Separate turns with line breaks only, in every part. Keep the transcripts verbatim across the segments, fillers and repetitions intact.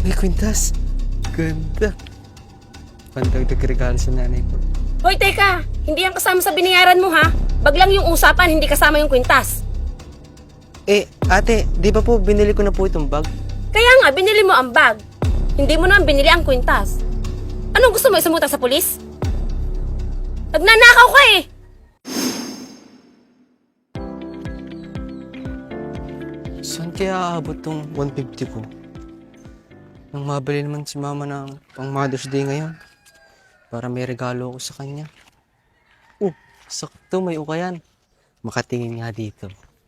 May kwintas. Ganda. Pandagdag regalo sa nanay ko.
Hoy, teka! Hindi yan kasama sa binayaran mo, ha? Bag lang yung usapan, hindi kasama yung kwintas.
Eh, ate, di ba po binili ko na po itong bag?
Kaya nga, binili mo ang bag. Hindi mo naman binili ang kwintas. Anong gusto mo, isumuta sa pulis? Nagnanakaw ka eh!
Saan kaya aabot tong one fifty ko? Nang mabili naman si mama ng pang Mother's Day ngayon. Para may regalo ako sa kanya. Oh, sakto may ukayan. Makatingin nga dito.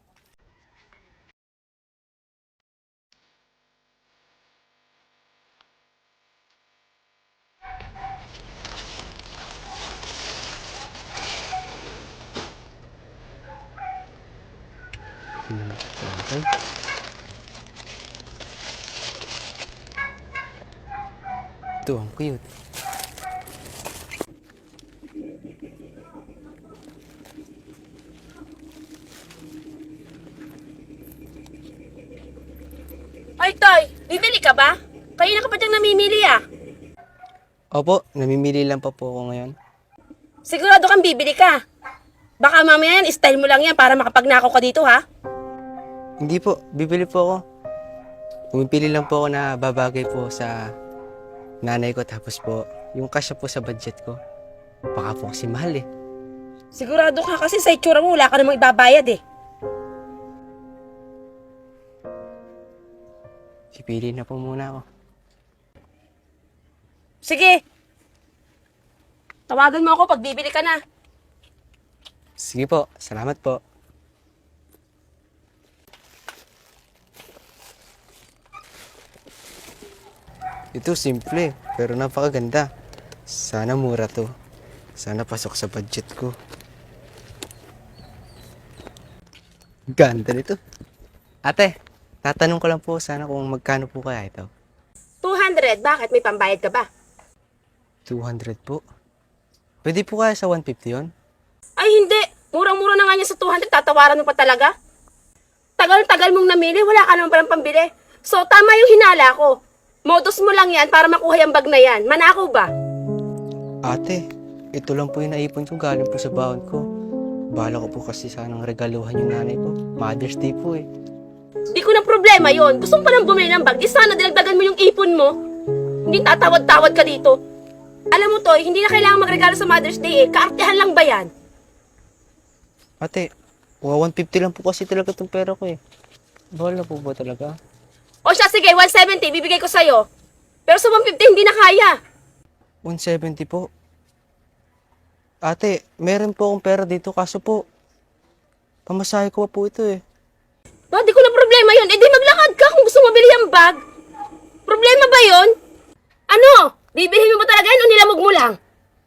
Okay. Ito, ang cute.
Ay, Toy! Bibili ka ba? Kanina ka pa diyang namimili ah.
Opo, namimili lang pa po ako ngayon.
Sigurado kang bibili ka. Baka mamaya yan, style mo lang yan para makapagnakaw ka dito ha.
Hindi po, bibili po ako. Pumipili lang po ako na babagay po sa nanay ko tapos po yung kasya po sa budget ko. Baka po kasi mahal eh.
Sigurado ka kasi sa itsura mo wala ka namang ibabayad eh.
Pipili na po muna ako.
Sige. Tawagan mo ako pag bibili ka na.
Sige po, salamat po. Ito simple, pero napakaganda. Sana mura to. Sana pasok sa budget ko. Ganda nito. Ate, tatanong ko lang po sana kung magkano po kaya ito.
two hundred, bakit? May pambayad ka ba?
two hundred po. Pwede po kaya sa one fifty yun?
Ay hindi, murang-mura na nga niya sa two hundred, tatawaran mo pa talaga? Tagal-tagal mong namili, wala ka naman palang pambili. So tama yung hinala ko. Modus mo lang yan para makuha yung bag na yan. Manakaw ba?
Ate, ito lang po yung naipon ko galing po sa baon ko. Bala ko po kasi sanang regaluhan yung nanay ko. Mother's Day po eh.
Di ko na problema yon. Gusto mo palang bumili ng bag, di sana dinagdagan mo yung ipon mo. Hindi tatawad-tawad ka dito. Alam mo, Toy, hindi na kailangan magregalo sa Mother's Day eh. Kaartehan lang ba yan?
Ate, one fifty lang po kasi talaga itong pera ko eh. Bawal na po ba talaga?
O siya, sige, one seventy, bibigay ko sa'yo. Pero sa one fifty, hindi na kaya.
one seventy po. Ate, meron po akong pera dito kaso po, pamasahe ko pa po ito eh.
No, di ko na problema yon. Eh di maglakad ka kung gusto mo mabili yung bag. Problema ba yon? Ano? Bibilhin mo ba talaga yan o nilamog mo lang?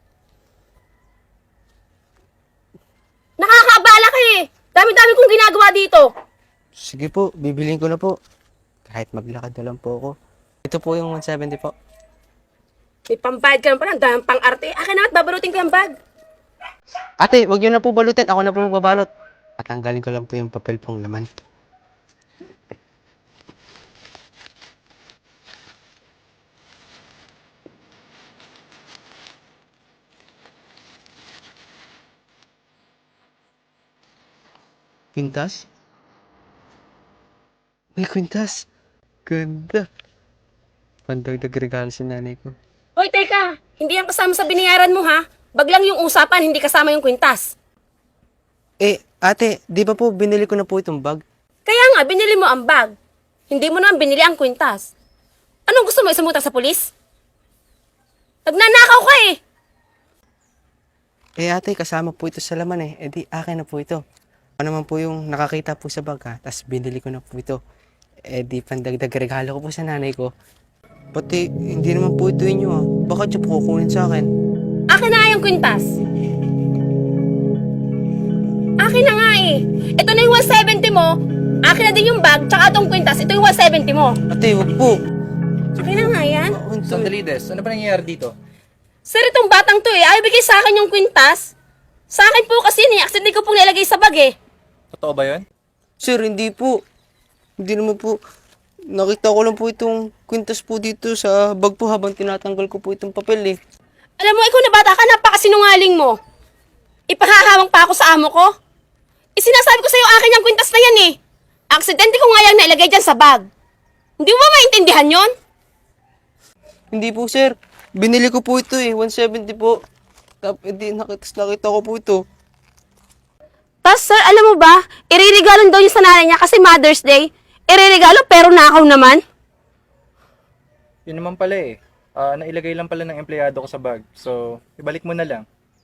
Nakakaabala ka eh. Dami-dami kong ginagawa dito.
Sige po, bibiliin ko na po. Kahit maglakad na lang po ako. Ito po yung one seventy po.
May pambayad ka naman pala, ang daming pang-arte. Akin na at babalutin ko yung bag.
Ate, wag niyo na po balutin. Ako na po magbabalot. Patanggalin ko lang po yung papel pong laman. Kwintas? May kwintas. Ganda. Pandagdag regalo sa nanay ko.
Hoy, teka. Hindi yan kasama sa binayaran mo ha. Bag lang yung usapan, hindi kasama yung kwintas.
Eh, ate, di ba po binili ko na po itong bag?
Kaya nga, binili mo ang bag. Hindi mo naman binili ang kwintas. Anong gusto mo, isumuta sa pulis? Nagnanakaw ka eh.
Eh ate, kasama po ito sa laman eh. Eh di, akin na po ito. Ano naman po yung nakakita po sa bag ha, tapos binili ko na po ito. Eh di, pandagdag regalo ko po sa nanay ko. Pati, hindi naman po ito inyo ha. Bakit siya po kukunin sa akin?
Akin na nga yung kwintas. Akin na nga eh. Ito na yung one seventy mo. Akin na din yung bag, tsaka itong kwintas. Ito yung one seventy mo.
Ate, wag po.
Akin na nga yan.
Sandali, Des. Ano ba nangyayari dito?
Sir, itong batang to eh. Ayaw bigay sa akin yung kwintas. Sa akin po kasi ni accident ko pong nilagay sa bag eh.
Totoo ba yun?
Sir, hindi po. Hindi naman po. nakita ko lang po itong kwintas po dito sa bag po habang tinatanggal ko po itong papel eh.
Alam mo, ikaw na bata ka, napakasinungaling mo. Ipahahawang pa ako sa amo ko. Isinasabi ko sa'yo akin yung kwintas na yan eh. Aksidente ko nga yan nailagay dyan sa bag. Hindi mo ba maintindihan yon?
Hindi po sir, binili ko po ito eh, one seventy po. Tapos hindi, nakita, nakita ko po ito.
Tapos sir, alam mo ba, iririgalo daw niya sa nanay niya kasi Mother's Day. Iririgalo pero nakaw naman.
Yun naman pala eh. Ah, nailagay lang pala ng empleyado ko sa bag. So, ibalik mo na lang.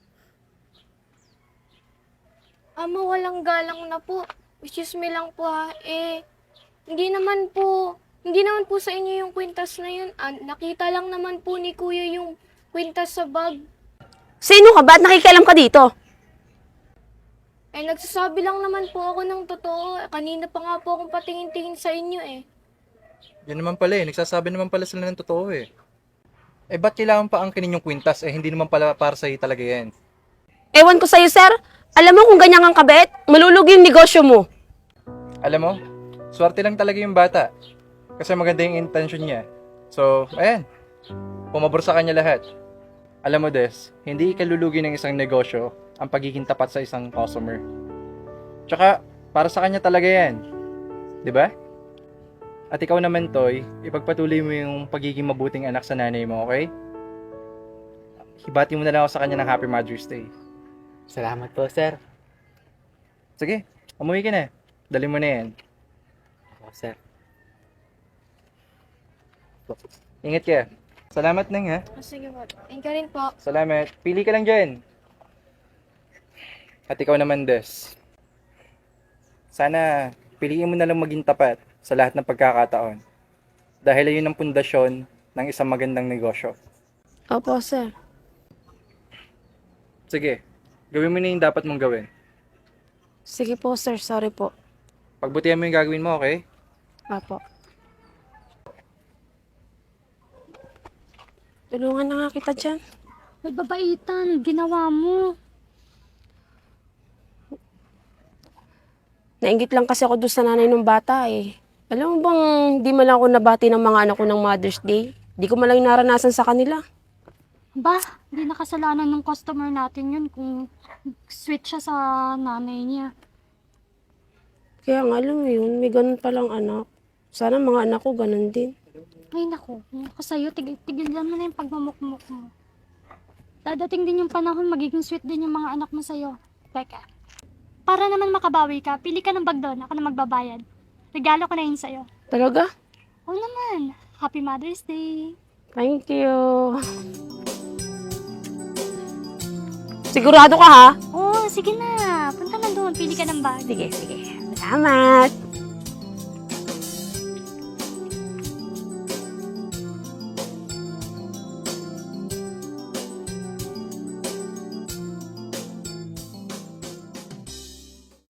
Ama, walang galang na po. Excuse me lang po ha. Eh, hindi naman po, hindi naman po sa inyo yung kwintas na yun. Ah, nakita lang naman po ni kuya yung kwintas sa bag.
Sino ka? Ba't nakikialam ka dito?
Eh, nagsasabi lang naman po ako ng totoo. Eh, kanina pa nga po akong patingin-tingin sa inyo eh.
Yun naman pala eh. Nagsasabi naman pala sila ng totoo eh. Eh, ba't kailangan pa angkinin yung kwintas? Eh, hindi naman pala para sa'yo talaga yan.
Ewan ko sa'yo, sir. Alam mo kung ganyan kang kabait, malulugi yung negosyo mo.
Alam mo, swerte lang talaga yung bata. Kasi maganda yung intention niya. So, ayan. Pumabor sa kanya lahat. Alam mo, Des, hindi ikalulugi ng isang negosyo ang pagiging tapat sa isang customer. Tsaka, para sa kanya talaga yan. 'Di ba? At ikaw naman, Toy, ipagpatuloy mo yung pagiging mabuting anak sa nanay mo, okay? Hibati mo na lang ako sa kanya ng Happy Mother's Day.
Salamat po sir.
Sige, umuwi ka na. Dali mo na yan.
Ako sir.
Ingat ka. Salamat nang ha.
Ah, sige po. Thank you rin po.
Salamat. Pili ka lang dyan. At ikaw naman, Des. Sana piliin mo na lang maging tapat sa lahat ng pagkakataon. Dahil ayun ang pundasyon ng isang magandang negosyo.
Opo, sir.
Sige, gawin mo na yung dapat mong gawin.
Sige po, sir. Sorry po.
Pagbutihan mo yung gagawin mo, okay?
Opo. Tulungan na nga kita dyan.
May babaitan, ginawa mo.
Nainggit lang kasi ako doon sa nanay ng bata eh. Alam mo bang di man lang ako nabati ng mga anak ko ng Mother's Day? Di ko man lang yung naranasan sa kanila.
Ba, hindi nakasalanan ng customer natin yun kung sweet siya sa nanay niya.
Kaya nga alam mo yun, may ganun palang anak. Sana mga anak ko ganun din.
Ay naku, ako sa'yo, tigil, tigilan mo na yung pagmamukmuk mo. Dadating din yung panahon, magiging sweet din yung mga anak mo sa'yo. Teka, para naman makabawi ka, pili ka ng bag doon, ako na magbabayad. Regalo ko na yun sa'yo.
Talaga?
Oo naman, Happy Mother's Day!
Thank you. Sigurado ka ha?
Oo, sige na, punta na doon, pili ka ng bag.
Sige, sige. Salamat.